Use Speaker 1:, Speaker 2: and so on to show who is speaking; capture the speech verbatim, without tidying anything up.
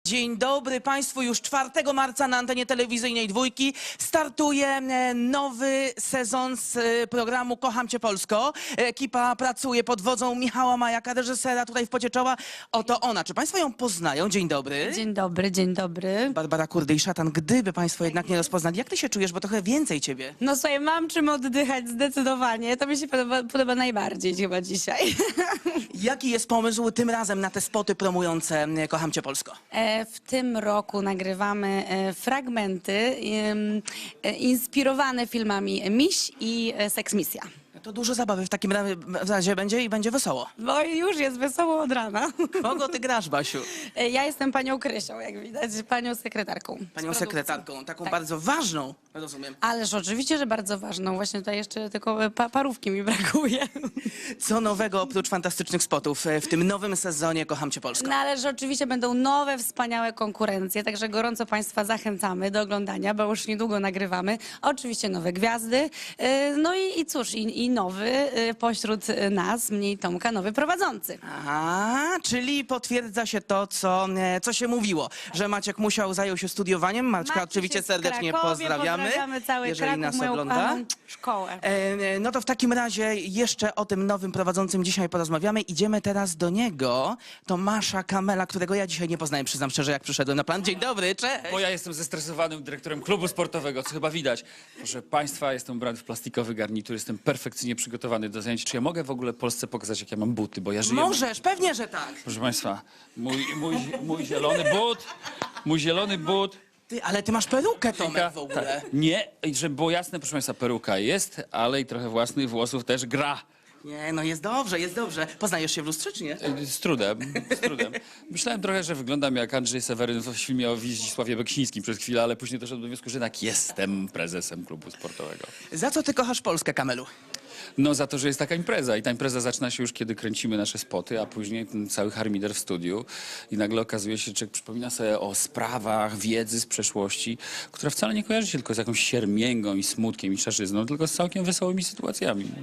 Speaker 1: Dzień dobry Państwu. Już czwartego marca na antenie telewizyjnej Dwójki startuje e, nowy sezon z e, programu Kocham Cię Polsko. Ekipa pracuje pod wodzą Michała Majaka, reżysera, tutaj w pocie czoła. Oto ona. Czy Państwo ją poznają? Dzień dobry.
Speaker 2: Dzień dobry, dzień dobry.
Speaker 1: Barbara Kurde i Szatan. Gdyby Państwo jednak nie rozpoznali, jak Ty się czujesz? Bo trochę więcej Ciebie.
Speaker 2: No słuchaj, mam czym oddychać zdecydowanie. To mi się podoba, podoba najbardziej chyba dzisiaj.
Speaker 1: Jaki jest pomysł tym razem na te spoty promujące e, Kocham Cię Polsko?
Speaker 2: E, W tym roku nagrywamy e, fragmenty em, e, inspirowane filmami Miś i e, Seksmisja.
Speaker 1: To dużo zabawy w takim ra- razie będzie i będzie wesoło.
Speaker 2: Bo już jest wesoło od rana.
Speaker 1: Kogo Ty grasz, Basiu?
Speaker 2: E, Ja jestem panią Krysią, jak widać, panią sekretarką. z
Speaker 1: Panią
Speaker 2: produkcji.
Speaker 1: sekretarką, taką
Speaker 2: Tak.
Speaker 1: bardzo ważną, rozumiem.
Speaker 2: Ależ oczywiście, że bardzo ważną. Właśnie tutaj jeszcze tylko pa parówki mi brakuje.
Speaker 1: Co nowego oprócz fantastycznych spotów e, w tym nowym sezonie Kocham Cię Polsko?
Speaker 2: No ale że oczywiście będą nowe, wspaniałe konkurencje, także gorąco Państwa zachęcamy do oglądania, bo już niedługo nagrywamy. Oczywiście nowe gwiazdy, yy, no i, i cóż, i, i nowy yy, pośród nas, mnie i Tomka, nowy prowadzący.
Speaker 1: Aha, czyli potwierdza się to, co, e, co się mówiło, że Maciek Musiał zajął się studiowaniem. Maćka
Speaker 2: Maciek
Speaker 1: oczywiście
Speaker 2: jest w
Speaker 1: serdecznie
Speaker 2: Krakowie,
Speaker 1: pozdrawiamy,
Speaker 2: pozdrawiamy cały
Speaker 1: jeżeli
Speaker 2: Kraków,
Speaker 1: nas
Speaker 2: moją
Speaker 1: ogląda.
Speaker 2: ukochaną szkołę.
Speaker 1: E, e, No to w takim razie jeszcze o tym nowym prowadzącym dzisiaj porozmawiamy. Idziemy teraz do niego. Tomasza Kamela, którego ja dzisiaj nie poznałem, przyznam szczerze, jak przyszedłem na plan. Dzień dobry, cześć!
Speaker 3: Bo ja jestem zestresowanym dyrektorem klubu sportowego, co chyba widać. Proszę Państwa, jestem ubrany w plastikowy garnitur, jestem perfekcyjnie przygotowany do zajęć. Czy ja mogę w ogóle Polsce pokazać, jak ja mam buty, bo ja żyję...
Speaker 1: Możesz, pewnie, że tak.
Speaker 3: Proszę Państwa, mój, mój, mój zielony but, mój zielony but...
Speaker 1: Ty, ale ty masz perukę, Tomek, w ogóle.
Speaker 3: Tak, nie, i żeby było jasne, proszę Państwa, peruka jest, ale i trochę własnych włosów też gra.
Speaker 1: Nie, no jest dobrze, jest dobrze. Poznajesz się w lustrze, czy nie?
Speaker 3: Y, Z trudem, z trudem. Myślałem trochę, że wyglądam jak Andrzej Seweryn w filmie o Wizdzisławie Beksińskim przez chwilę, ale później doszedłem do wniosku, że jednak jestem prezesem klubu sportowego.
Speaker 1: Za co ty kochasz Polskę, Kamelu?
Speaker 3: No za to, że jest taka impreza i ta impreza zaczyna się już, kiedy kręcimy nasze spoty, a później ten cały harmider w studiu i nagle okazuje się, że człowiek przypomina sobie o sprawach, wiedzy z przeszłości, która wcale nie kojarzy się tylko z jakąś siermięgą i smutkiem i szarzyzną, tylko z całkiem wesołymi sytuacjami.